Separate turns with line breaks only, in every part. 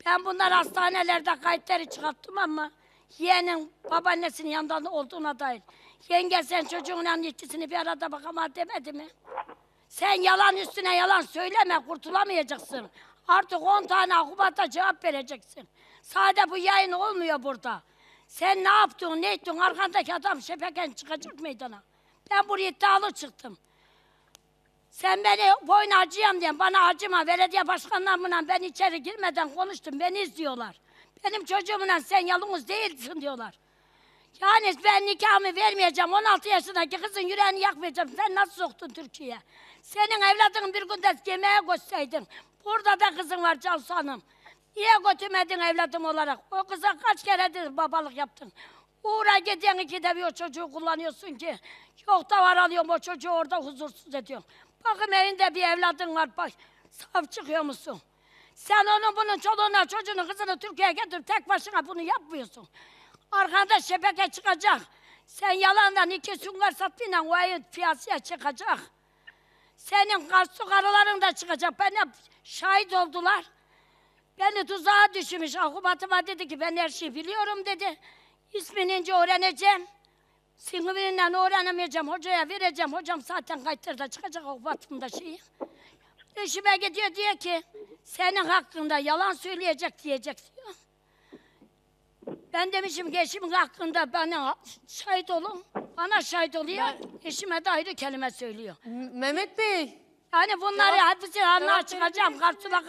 Ben bunlar hastanelerde kayıtları çıkarttım ama yeğenin babaannesinin yanında olduğuna dair. Yenge sen çocuğunla ikisini bir arada bakama demedi mi? Sen yalan üstüne yalan söyleme, kurtulamayacaksın. Artık 10 tane akubata cevap vereceksin. Sadece bu yayın olmuyor burada. Sen ne yaptın, ne ettin? Arkandaki adam şepeken çıkacak meydana. Ben buraya iddialı çıktım. Sen beni boyun acıyam diyen bana acıma. Belediye başkanlarımla ben içeri girmeden konuştum. Beni izliyorlar. Benim çocuğumla sen yalnız değilsin diyorlar. Yani ben nikahımı vermeyeceğim. 16 yaşındaki kızın yüreğini yakmayacağım. Sen nasıl soktun Türkiye'ye? Senin evladın bir günde yemeğe götürseydin. Burada da kızın var Cansu Hanım. Niye götürmedin evladım olarak? O kıza kaç keredir babalık yaptın? Uğra gidiyorsun ikide bir o çocuğu kullanıyorsun ki. Yok da var alıyorum o çocuğu orada huzursuz ediyorum. Bakın evinde bir evladın var. Bak, saf çıkıyor musun? Sen onun bunun çoluğuna çocuğunu kızını Türkiye'ye getirip tek başına bunu yapmıyorsun. Arkanda şebeke çıkacak. Sen yalandan 2 sünger sattığıyla o ayı piyasaya çıkacak. Senin karşı karıların da çıkacak. Bana şahit oldular. Beni tuzağa düşürmüş. Akubatıma dedi ki ben her şeyi biliyorum dedi. İsmini öğreneceğim. Sınıfıyla öğrenemeyeceğim. Hocaya vereceğim. Hocam zaten kayıtlarda çıkacak akubatımda şeyi. Eşime gidiyor diyor ki senin hakkında yalan söyleyecek diyecek diyor. Ben demişim ki eşimin hakkında bana şahit olun. Bana şahit oluyor. Eşime de ayrı kelime söylüyor.
Mehmet Bey.
Yani bunları hepsini anlığa çıkacağım. Karşıla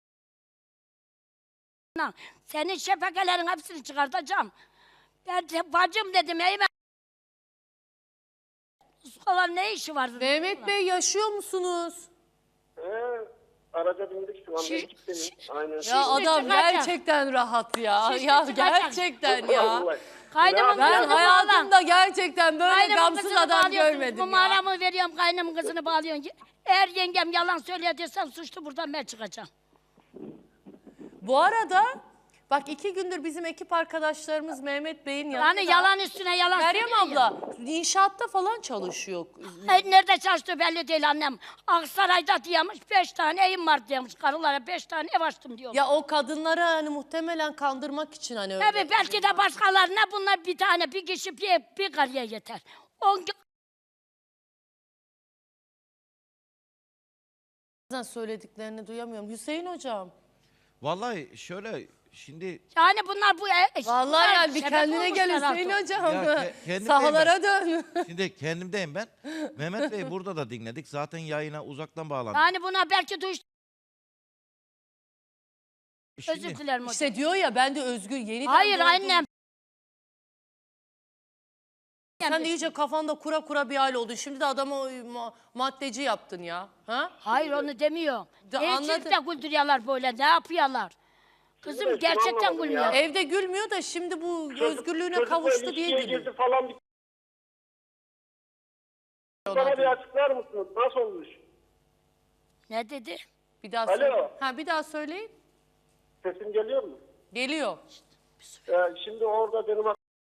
senin şefekelerin hepsini çıkartacağım. Ben de bacım dedim Eymen. Uskalar ne işi var?
Mehmet Bey yaşıyor musunuz?
Araca bindik şu an. Aynen.
Ya adam
çıkacak.
gerçekten rahat ya.
Şişli
Ya
çıkacak.
gerçekten ya.
Kaynımın
Ben
kızını
hayatımda gerçekten böyle
Kaynımın
gamsız
kızını
adam
bağlıyorsun.
görmedim ya.
Numaramı veriyorum kaynımın kızını bağlıyorsun. Eğer yengem yalan söylüyor desem suçlu buradan ben çıkacağım.
Bu arada bak 2 gündür bizim ekip arkadaşlarımız Mehmet Bey'in yanında.
Yani yalan üstüne yalan
Meryem
söylüyor ya.
abla inşaatta falan çalışıyor.
Hayır, nerede çalıştığı belli değil annem. Aksaray'da diyormuş 5 tane evim var diyormuş. Karılara 5 tane ev açtım diyor.
Ya o kadınları hani muhtemelen kandırmak için hani öyle.
Tabii belki de başkalarına bunlar bir tane bir kişi bir karıya yeter.
Bazen söylediklerini duyamıyorum. Hüseyin hocam.
Vallahi şöyle şimdi
Yani bunlar bu
Vallahi yani bir
sebep
kendine gel
olmuşlar
Hüseyin
artık.
hocam.
kendimdeyim
Sahalara dön.
şimdi kendimdeyim ben. Mehmet Bey burada da dinledik. Zaten yayına uzaktan bağlandık.
Yani buna belki duş
Şimdi,
özür dilerim hocam.
İşte diyor ya ben de özgür yeniden
Hayır
doğdum.
annem.
Sen de iyice kafanda kura kura bir hal oldun. Şimdi de adamı maddeci yaptın ya. Ha?
Hayır onu demiyor.
Anladım.
Gençlik de güldürüyorlar böyle ne yapıyorlar? Kızım gerçekten gülmüyor.
Evde gülmüyor da şimdi bu özgürlüğüne kavuştu diye gülüyor.
Girdi falan. Bana bir açıklar mısınız? Nasıl olmuş?
Ne dedi?
Bir daha
Alo.
söyle. Ha bir daha söyleyin.
Sesim geliyor mu?
Geliyor.
Şimdi orada benim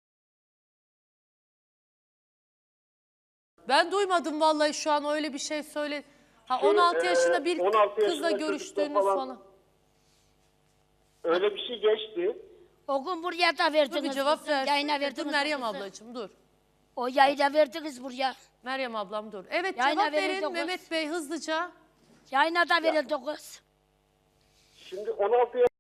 Ben duymadım vallahi şu an öyle bir şey söyle. Ha 16 yaşında bir
16
kızla
yaşında
görüştüğünüz
çocukla
falan.
öyle bir şey geçti.
O gün buraya da
Dur
verdiniz.
bir cevap
kızı,
ver.
Yayına
Dur
verdiniz.
Meryem
kızı.
ablacığım dur.
O yayına verdiniz buraya.
Meryem ablam dur. Evet
Yayına
cevap
verildi
verin
kız.
Mehmet Bey hızlıca.
Yayına da verildi kız.
Şimdi 16 yaş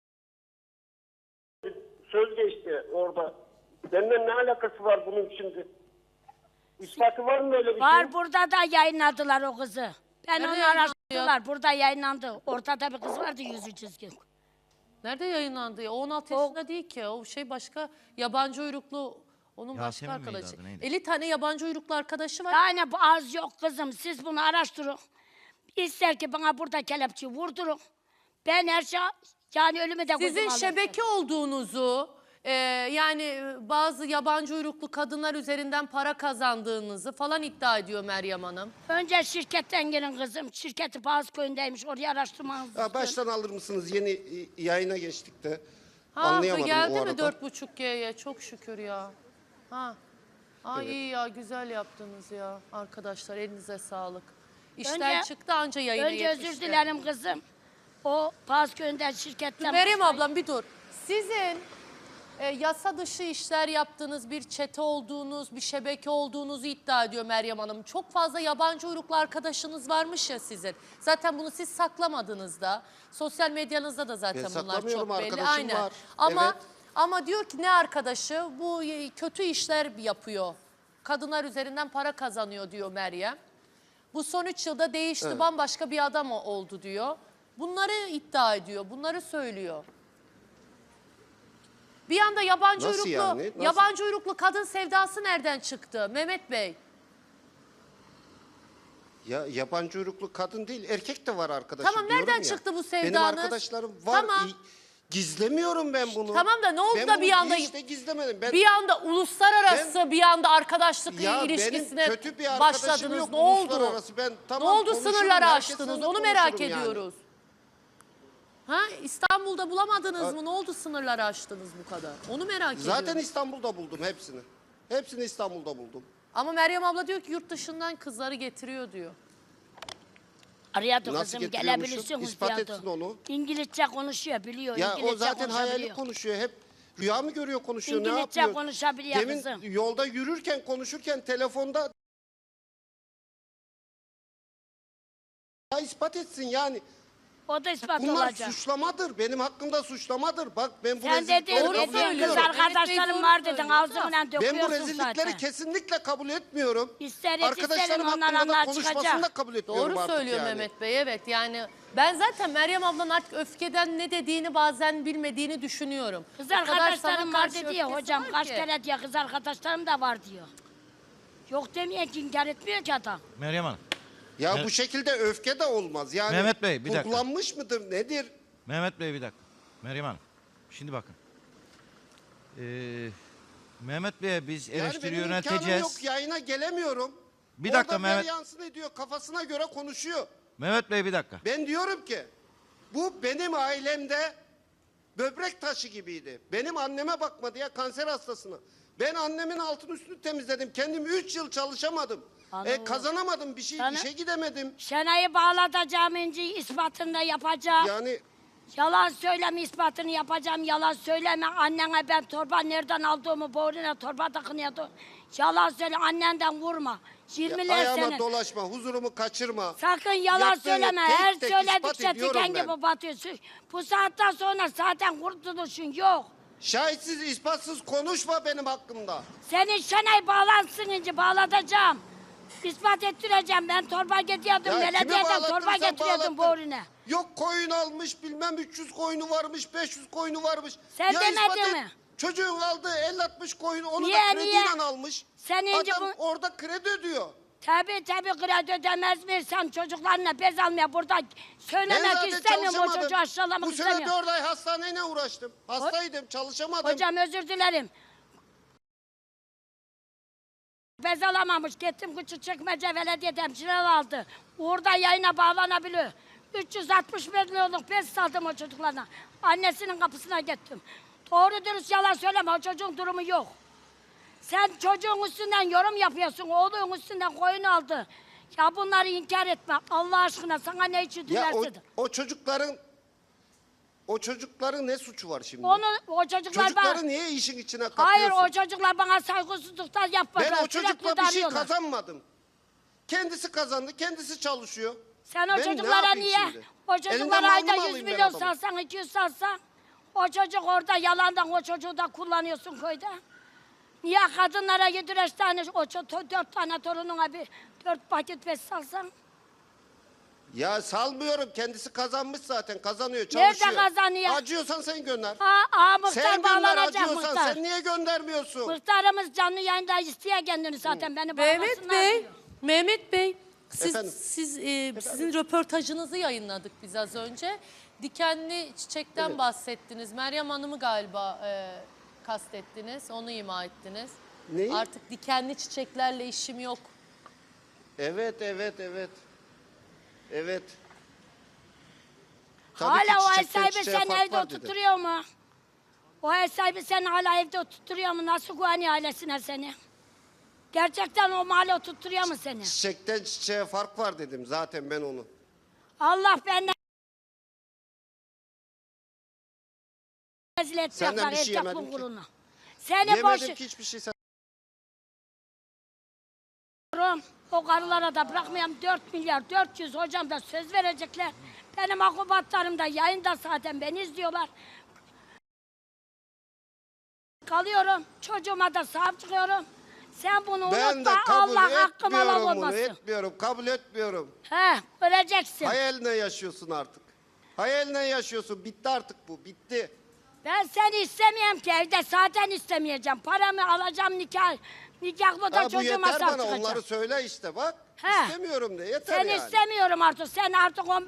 söz geçti orada. Benimle ne alakası var bunun şimdi? İspatı var mı öyle bir
Var
şey?
burada da yayınladılar o kızı. Ben
Nerede
onu
yayınlandı
araştırdılar. Burada yayınlandı. Ortada bir kız vardı yüzü çizgin.
Nerede yayınlandı ya? O 16
O-
yaşında değil ki. O şey başka yabancı uyruklu onun
Yasemin
başka
miydi
arkadaşı.
adı, neydi?
50 tane yabancı uyruklu arkadaşı var.
Yani bu az yok kızım. Siz bunu araştırın. İster ki bana burada kelepçe vurdurun. Ben her şey yani ölümü de
Sizin
gözüme alırım.
şebeke olduğunuzu yani bazı yabancı uyruklu kadınlar üzerinden para kazandığınızı falan iddia ediyor Meryem Hanım.
Önce şirketten gelin kızım. Şirketi Bağız köyündeymiş. Oraya araştırmanız
Ya baştan alır mısınız? Yeni yayına geçtik de.
Ha
Anlayamadım
geldi
o
mi
arada.
4.5G'ye çok şükür ya. Ha. Ay iyi ya güzel yaptınız ya arkadaşlar elinize sağlık. İşten
Önce-
çıktı anca yayına
Önce
yetişti.
özür dilerim kızım. O Pazköy'den şirketten...
Meryem ablam bir dur. Sizin yasa dışı işler yaptığınız, bir çete olduğunuz, bir şebeke olduğunuzu iddia ediyor Meryem Hanım. Çok fazla yabancı uyruklu arkadaşınız varmış ya sizin. Zaten bunu siz saklamadınız da. Sosyal medyanızda da zaten
Ben
bunlar
saklamıyorum,
çok belli.
arkadaşım
Aynen.
var.
Ama
Evet.
ama diyor ki ne arkadaşı? Bu kötü işler yapıyor. Kadınlar üzerinden para kazanıyor diyor Meryem. Bu son 3 yılda değişti, bambaşka bir adam oldu diyor. Bunları iddia ediyor, bunları söylüyor. Bir anda yabancı
Nasıl
uyruklu,
yani? Nasıl?
yabancı uyruklu kadın sevdası nereden çıktı Mehmet Bey?
Ya yabancı uyruklu kadın değil, erkek de var arkadaşım.
Tamam,
diyorum
nereden
ya.
çıktı bu
Benim
sevdanız?
arkadaşlarım var.
Tamam.
Gizlemiyorum ben bunu.
Tamam da ne oldu
Ben
da
bunu
bir anda
hiç de gizlemedim. Ben,
bir anda uluslararası bir anda arkadaşlık
ya
ilişkisine
benim kötü bir arkadaşım
başladınız.
yok
Ne oldu?
uluslararası. Ben
Ne
tamam
oldu
konuşurum,
sınırları
herkesinle
aştınız?
de
Onu merak
konuşurum yani.
ediyoruz. Ha, İstanbul'da bulamadınız mı? Ne oldu sınırları aştınız bu kadar? Onu merak
Zaten
ediyorum.
İstanbul'da buldum hepsini. Hepsini İstanbul'da buldum.
Ama Meryem abla diyor ki yurt dışından kızları getiriyor diyor.
Arıyordu
Nasıl
kızım,
getiriyormuşum?
gelebilirsiniz
İspat
diyordu.
etsin onu.
İngilizce konuşuyor, biliyor.
Ya
İngilizce
o zaten hayali
konuşabiliyor.
konuşuyor. Hep rüya mı görüyor, konuşuyor, ne
İngilizce
yapıyor?
konuşabiliyor
Demin
kızım.
yolda yürürken, konuşurken telefonda ya ispat etsin yani.
O da ispat
Bunlar
olacak.
suçlamadır. Benim hakkımda suçlamadır. Bak ben bu
Sen dedin,
rezillikleri
Doğru
kabul
dedin
söylüyor.
kız
etmiyorum.
arkadaşlarım
Evet,
var
doğru
dedin,
söylüyor.
ağzından
Ben bu
döküyorsun
rezillikleri
zaten.
kesinlikle kabul etmiyorum.
İsteriz
Arkadaşlarım
isterim, onlar
hakkında da
anlar
konuşmasını
çıkacak.
da kabul etmiyorum
Doğru
artık
söylüyor
yani.
Mehmet Bey, evet. Yani ben zaten Meryem ablanın artık öfkeden ne dediğini bazen bilmediğini düşünüyorum.
Kız
O kadar sana
arkadaşlarım var
karşı
dedi ya
öfkesi
hocam,
var
kaç
ki.
kere diyor kız arkadaşlarım da var diyor. Yok demiyor ki, inkar etmiyor ki adam.
Meryem Hanım.
Ya
Evet.
bu şekilde öfke de olmaz. Yani
Mehmet Bey, bir dakika.
kurgulanmış mıdır, nedir?
Mehmet Bey bir dakika. Meryem Hanım. Şimdi bakın. Mehmet Bey'e biz
Yani
eleştiri
benim imkanım
yönelteceğiz.
yok, yayına gelemiyorum.
Bir dakika
Orada
Mehmet.
yansın ediyor, kafasına göre konuşuyor.
Mehmet Bey bir dakika.
Ben diyorum ki bu benim ailemde böbrek taşı gibiydi. Benim anneme bakmadı ya, kanser hastasına. Ben annemin altını üstünü temizledim. Kendim 3 yıl çalışamadım.
Anladım.
Kazanamadım bir şey,
Sana-
işe gidemedim.
Şenay'ı bağlatacağım, İnci ispatını da yapacağım.
Yani
Yalan söyleme, ispatını yapacağım. Yalan söyleme, annene ben torba nereden aldığımı, boynuna torba takınıyordu. Yalan söyle, annenden vurma. 20'ler
ayağıma
senin.
dolaşma, huzurumu kaçırma.
Sakın yalan
Yaptığını
söyleme.
tek
Her
tek
söyledikçe
ispat ediyorum
diken
ben.
gibi batıyorsun. Bu saatten sonra zaten kurtuluşun yok.
Şahitsiz, ispatsız konuşma benim hakkımda.
Senin Şenay bağlansın İnci, bağlatacağım. İspat ettireceğim. Ben torba getiriyordum.
Ya kimi
Belediyeden
bağlattın
torba
sen,
getiriyordum
bağlattın.
boynuna.
Yok koyun almış, bilmem 300 koyunu varmış, 500 koyunu varmış.
Sen
ispat
demedin
et.
mi?
Çocuğun aldığı 50-60 koyunu onu
Niye,
da krediyle
niye?
almış.
Sen ince
Adam
bu-
orada kredi ödüyor.
Tabii kredi ödemez mi? Sen çocuklarına bez almaya burada
Ben
söylemek
zaten
istemiyorum. O
çalışamadım.
çocuğu aşağılamak
Bu sene
istemiyorum.
4 ay hastaneyle uğraştım. Hastaydım, çalışamadım.
Hocam özür dilerim. Bez alamamış. Gittim Küçükçekmece Belediye hemşireler aldı. Orada yayına bağlanabiliyor. 360 milyonluk bez saldım o çocuklarına. Annesinin kapısına gittim. Doğru dürüst yalan söyleme. O çocuğun durumu yok. Sen çocuğun üstünden yorum yapıyorsun. Oğlun üstünden koyun aldı. Ya bunları inkar etme. Allah aşkına sana ne için
Ya
dilersin?
o çocukların ne suçu var şimdi?
O çocuklar
Çocukları niye işin içine katıyorsun?
Hayır, o çocuklar bana saygısızlıktan yapmadılar.
Ben o çocukla
Sürekli
bir şey
darıyorlar.
kazanmadım. Kendisi kazandı, kendisi çalışıyor.
Sen o
Ben ne
çocuklara
yapayım
niye?
şimdi?
O
Elinden
çocuklara
malını
ayda
mı
100
alayım ben
milyon
adamın?
salsan, 200 salsan. O çocuk orada yalandan o çocuğu da kullanıyorsun köyde. Niye kadınlara 7-5 tane, 4 tane torununa bir 4 paket bez salsan?
Ya salmıyorum, kendisi kazanmış zaten, kazanıyor,
Nerede
çalışıyor.
kazanıyor?
Acıyorsan sen gönder.
Muhtar
Sen gönder,
bağlanacak
acıyorsan
muhtar.
sen niye göndermiyorsun?
Muhtarımız canlı yayında istiyor kendini zaten, beni
Mehmet
bağlasınlar
Bey,
diyor.
Mehmet Bey,
Efendim?
sizin röportajınızı yayınladık biz az önce. Dikenli çiçekten
Evet.
bahsettiniz. Meryem Hanım'ı galiba kastettiniz, onu ima ettiniz.
Neyi?
Artık dikenli çiçeklerle işim yok.
Evet. Evet. Tabii
Hala
ki
o ev
çiçekten
sahibi
çiçeğe
seni
fark
evde
var dedi.
oturtuyor mu? O ev sahibi seni hala evde oturtuyor mu? Nasıl güveniyor ailesine seni? Gerçekten o mahalle oturtuyor mu seni?
Çiçekten çiçeğe fark var dedim zaten ben onu.
Allah benden Rezil edecekler
Senden bir şey
erkek
yemedim ki.
bulgurunu. Seni
Yemedim
boş
ki hiçbir şey.
o karılara da bırakmayayım 4 milyar 400 hocam da söz verecekler. Benim akubatlarım da yayında zaten beni izliyorlar. Kalıyorum. Çocuğuma da sahip çıkıyorum. Sen bunu
Ben de
unutma.
kabul
Allah hakkım Allah
etmiyorum bunu.
olmasın.
Etmiyorum. Kabul etmiyorum.
He, öleceksin.
Hayaline yaşıyorsun artık. Hayaline yaşıyorsun. Bitti artık bu. Bitti.
Ben seni istemiyorum ki evde zaten istemeyeceğim. Paramı alacağım nikah. Nikahlı da
Ha, bu
çocuğuma
yeter
sahip
bana.
çıkacağım.
Onları söyle işte bak.
He.
İstemiyorum de. Yeter
Seni
yani.
istemiyorum artık. Sen artık 15...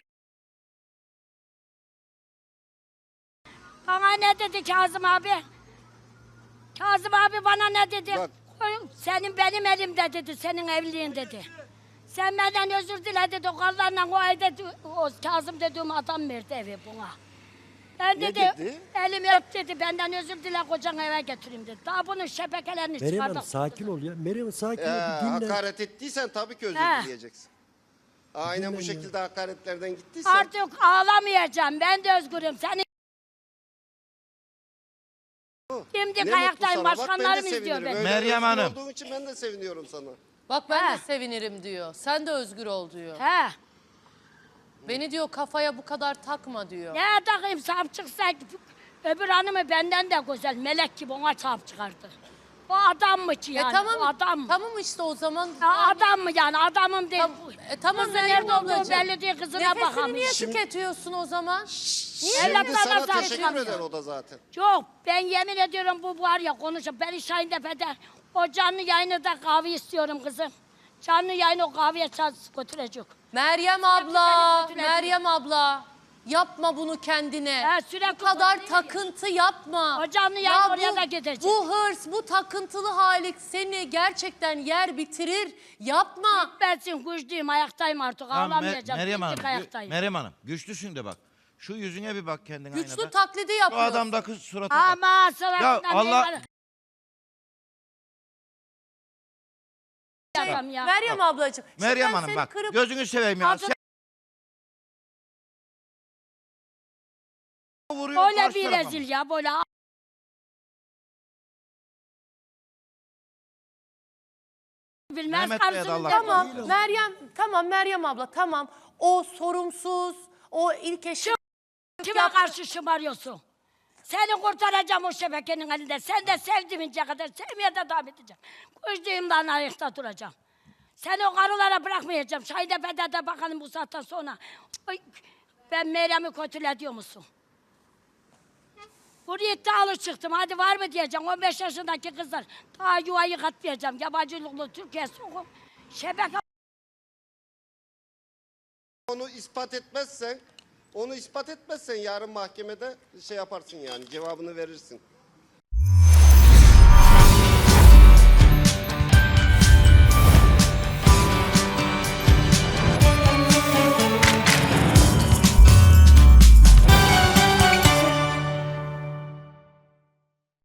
Bana ne dedi Kazım abi? Kazım abi bana ne dedi?
Bak.
Senin benim elimde dedi. Senin evliliğin dedi. Sen benden özür dile dedi. O karlarla o evde o Kazım dediğim adam verdi evi buna. Ben
Ne
dedi,
dedi?
elimi öp dedi. Benden özür dile kocan eve götüreyim dedi. Daha bunun şebekelerini
Meryem
çıkardık.
Hanım sakin ol ya. Meryem Hanım sakin ol. Bir dinle.
Hakaret ettiysen tabii ki özür
He.
dileyeceksin. Aynen bu
Dinle ya.
şekilde hakaretlerden gittiysen.
Artık ağlamayacağım. Ben de özgürüm. Seni şimdi
Ne
ayaktayım.
mutlu sana. Bak, ben de
Başkanlarım izliyor
sevinirim.
beni.
Öyle
Meryem
özgür
Hanım.
olduğun için ben de seviniyorum sana.
Bak ben
He.
de sevinirim diyor. Sen de özgür ol diyor.
He.
Beni diyor kafaya bu kadar takma diyor.
Ne takayım sahip çıksa öbür hanımı benden de güzel. Melek gibi ona sahip çıkardı. O adam mı ki yani?
tamam,
O adam mı?
tamam işte o zaman.
Ya adam mı yani? Adamım değil.
Tamam
Kızı
Meryem
nerede olduğu
ablacığım.
belli değil. Kızına
Nefesini
bakamıyor.
niye tüketiyorsun o zaman?
Şimdi
Evlatlarına
sana
sahip
teşekkür
çıkamıyor.
eder o da zaten.
Yok ben yemin ediyorum bu var ya konuşup beni Şahintepe'de o canlı yayını da kahve istiyorum kızım. Canlı yayını o kahveye götürecek.
Meryem abla,
kötüledim.
Meryem abla. Yapma bunu kendine.
Ha, sürekli
bu kadar
bu-
takıntı yapma.
O canlı yayın oraya da gidecek.
Bu hırs, bu takıntılı halik seni gerçekten yer bitirir. Yapma.
Bensin güçlüyüm ayaktayım artık
Tamam,
ağlamayacağım.
Meryem
Dimdik
Hanım,
ayaktayım.
Meryem Hanım güçlüsün de bak. Şu yüzüne bir bak kendin
Güçlü
aynada.
taklidi
Şu
yapıyor.
adamdaki surata bak.
Ama sıra
Allah-
adam ya.
Meryem ablacığım. şimdi
Meryem
ben
Hanım
seni
bak
kırıp-
gözünü seveyim ya.
Altın-
Sen vuruyorsun
Böyle
karşı
bir
tarafa.
rezil ya böyle. Bilmez
Mehmet Bey'e de
karşısında.
Allah
Tamam
razı olsun.
Meryem abla tamam. O sorumsuz, o ilk eşi.
Kime karşı şımarıyorsun? Seni kurtaracağım o şebekenin elinde. Sen de sevdiğince kadar sevmeye de devam edeceğim. Güçlüğümden ayakta duracağım. Seni o karılara bırakmayacağım. Şahidepe'de de bakalım bu saatten sonra. Ay, ben Meryem'i kötüle diyor musun? Buraya iddialı çıktım. Hadi var mı diyeceğim. 15 yaşındaki kızlar. Daha yuvayı katmayacağım. Yabancılıklı Türkiye sokup şebeke
Onu ispat etmezsen yarın mahkemede şey yaparsın yani cevabını verirsin.